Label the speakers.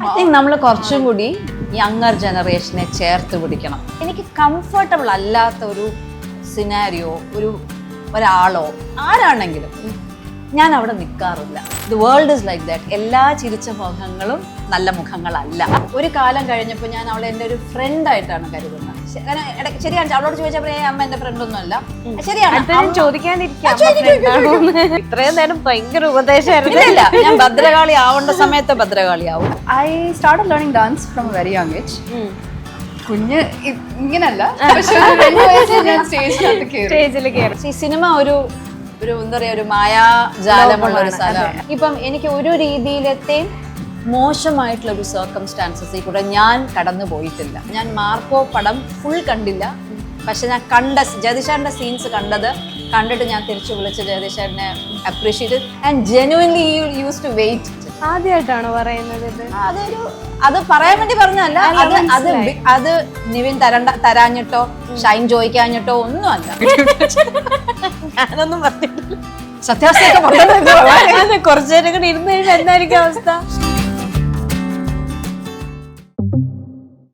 Speaker 1: നമ്മൾ കുറച്ചും കൂടി യങ്ങർ ജനറേഷനെ ചേർത്ത് പിടിക്കണം. എനിക്ക് കംഫർട്ടബിൾ അല്ലാത്ത ഒരു സിനാരിയോ ഒരാളോ ആരാണെങ്കിലും ഞാൻ അവിടെ നിൽക്കാറില്ല. The world is like that. എല്ലാ ചിരിച്ച മുഖങ്ങളും നല്ല മുഖങ്ങളല്ല. ഒരു കാലം കഴിഞ്ഞപ്പോൾ ഞാൻ അവളെ എൻ്റെ ഒരു ഫ്രണ്ടായിട്ടാണ് കരുതുന്നത്. ശരിയാണ്, അവളോട് ചോദിച്ചപ്പോൾ അമ്മ എൻ്റെ ഫ്രണ്ടൊന്നും അല്ല. ശരിയാണ്,
Speaker 2: ഇത്രയും നേരം ഭയങ്കര ഉപദേശമായിരുന്നു.
Speaker 1: ഇല്ല, ഞാൻ ഭദ്രകാളി ആവേണ്ട സമയത്ത് ഭദ്രകാളി ആവും.
Speaker 3: I started learning dance from a very young age. കുഞ്ഞ് ഇങ്ങനല്ല, പക്ഷെ 2 വയസ്സിൽ ഞാൻ സ്റ്റേജിൽ കയറി.
Speaker 1: ഈ സിനിമ ഒരു എന്താ പറയാ, ഒരു മായാജാലമുള്ള ഒരു സ്ഥലമാണ്. ഇപ്പം എനിക്ക് ഒരു രീതിയിലത്തെയും മോശമായിട്ടുള്ള ഒരു സർക്കംസ്റ്റാൻസസിൽ കൂടെ ഞാൻ കടന്നു പോയിട്ടില്ല. ഞാൻ മാർക്കോ പടം ഫുൾ കണ്ടില്ല, പക്ഷെ ഞാൻ ജഗദീഷാറിന്റെ സീൻസ് കണ്ടിട്ട് ഞാൻ തിരിച്ചു വിളിച്ച് ജഗദീഷാറിനെ appreciate and genuinely use to wait.
Speaker 2: ആദ്യമായിട്ടാണോ പറയുന്നത്?
Speaker 1: അത് പറയാൻ വേണ്ടി പറഞ്ഞല്ല, അത് നിവിൻ തരാഞ്ഞിട്ടോ ഷൈൻ ചോദിക്കാഞ്ഞിട്ടോ ഒന്നും അല്ല.
Speaker 2: ഞാനൊന്നും പറഞ്ഞിട്ടില്ല.
Speaker 1: സത്യാവസ്ഥയൊക്കെ
Speaker 2: കുറച്ചു നേരം കൂടി ഇരുന്ന് കഴിഞ്ഞാൽ എന്തായിരിക്കും അവസ്ഥ?